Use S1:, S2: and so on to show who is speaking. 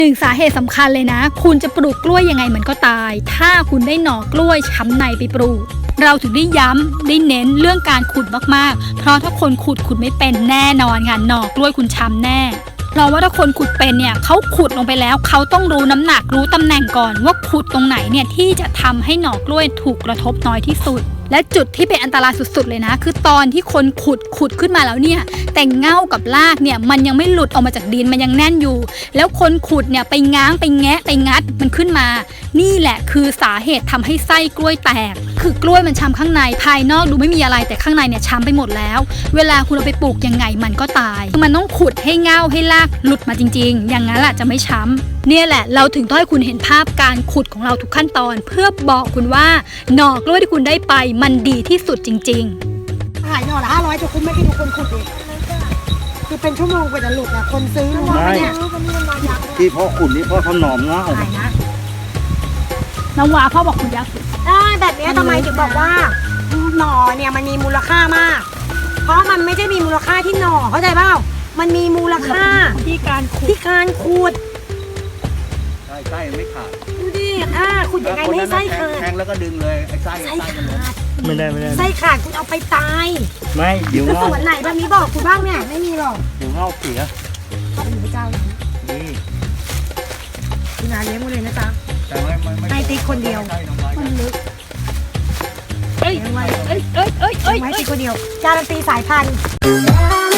S1: หนึ่งสาเหตุสำคัญเลยนะคุณจะปลูกกล้วยยังไงมันก็ตายถ้าคุณได้หน่อกล้วยช้ำในไปปลูกเราถึงได้ย้ำได้เน้นเรื่องการขุดมากๆเพราะถ้าคนขุดไม่เป็นแน่นอนค่ะหน่อกล้วยคุณช้ำแน่เพราะว่าถ้าคนขุดเป็นเนี่ยเขาขุดลงไปแล้วเขาต้องรู้น้ำหนักรู้ตำแหน่งก่อนว่าขุดตรงไหนเนี่ยที่จะทำให้หน่อกล้วยถูกกระทบน้อยที่สุดและจุดที่เป็นอันตรายสุดๆเลยนะคือตอนที่คนขุดขึ้นมาแล้วเนี่ยแต่เง่ากับรากเนี่ยมันยังไม่หลุดออกมาจากดินมันยังแน่นอยู่แล้วคนขุดเนี่ยไปง้างไปแงะไปงัดมันขึ้นมานี่แหละคือสาเหตุทำให้ไส้กล้วยแตกคือกล้วยมันช้ำข้างในภายนอกดูไม่มีอะไรแต่ข้างในเนี่ยช้ำไปหมดแล้วเวลาคุณเอาไปปลูกยังไงมันก็ตายมันต้องขุดให้เง่าให้รากหลุดมาจริงๆอย่างนั้นแหละจะไม่ช้ำเนี่ยแหละเราถึงต้องให้คุณเห็นภาพการขุดของเราทุกขั้นตอนเพื่อบอกคุณว่าหน่อกล้วยที่คุณได้ไปมันดีที่สุดจริงๆ
S2: ขายหน่อละ500จะคุ้มไม่กี่ดูคนขุดดิคือเป็นชั่วโมงกว่าจะหลุดอ่ะคนซื้อรู้ไหมเนี่ย
S3: ที่พ่อขุดนี่พ่อทำหนอมเงา
S2: ขายนะ
S1: น้ำว้าพ่อบอกคุณยักษ์
S2: ได้แบบนี้ทำไมถึงบอกว่าหน่อเนี่ยมันมีมูลค่ามากเพราะมันไม่ใช่มีมูลค่าที่หน่อเข้าใจเปล่ามันมีมูลค่า
S1: ที่การขุด
S3: ไส้ไม่ขาด
S2: ดูดิขุดยังไงไม่ให้ไส้ขาด
S3: แทงแล้วก็ดึงเลยไอ้ไส้มันเลยไม่ได้
S2: ไส้ขาดคุณเอาไปตาย
S3: ไม่เดี๋ยวเงา
S2: ส่วนไหนแบบนี้บอกคุณบ้างเนี่ยไม่มีหรอก
S3: เดี๋ยวเงาเสีย
S2: เป็นพระเจ้านี่คุณนาเลี้ยงมาเลยนะจ๊ะ
S3: แต่ไม่
S2: ติ๊กคนเดียว
S1: มันลึก
S2: ไม่ติ๊กคนเดียวการันตีสายพันธุ์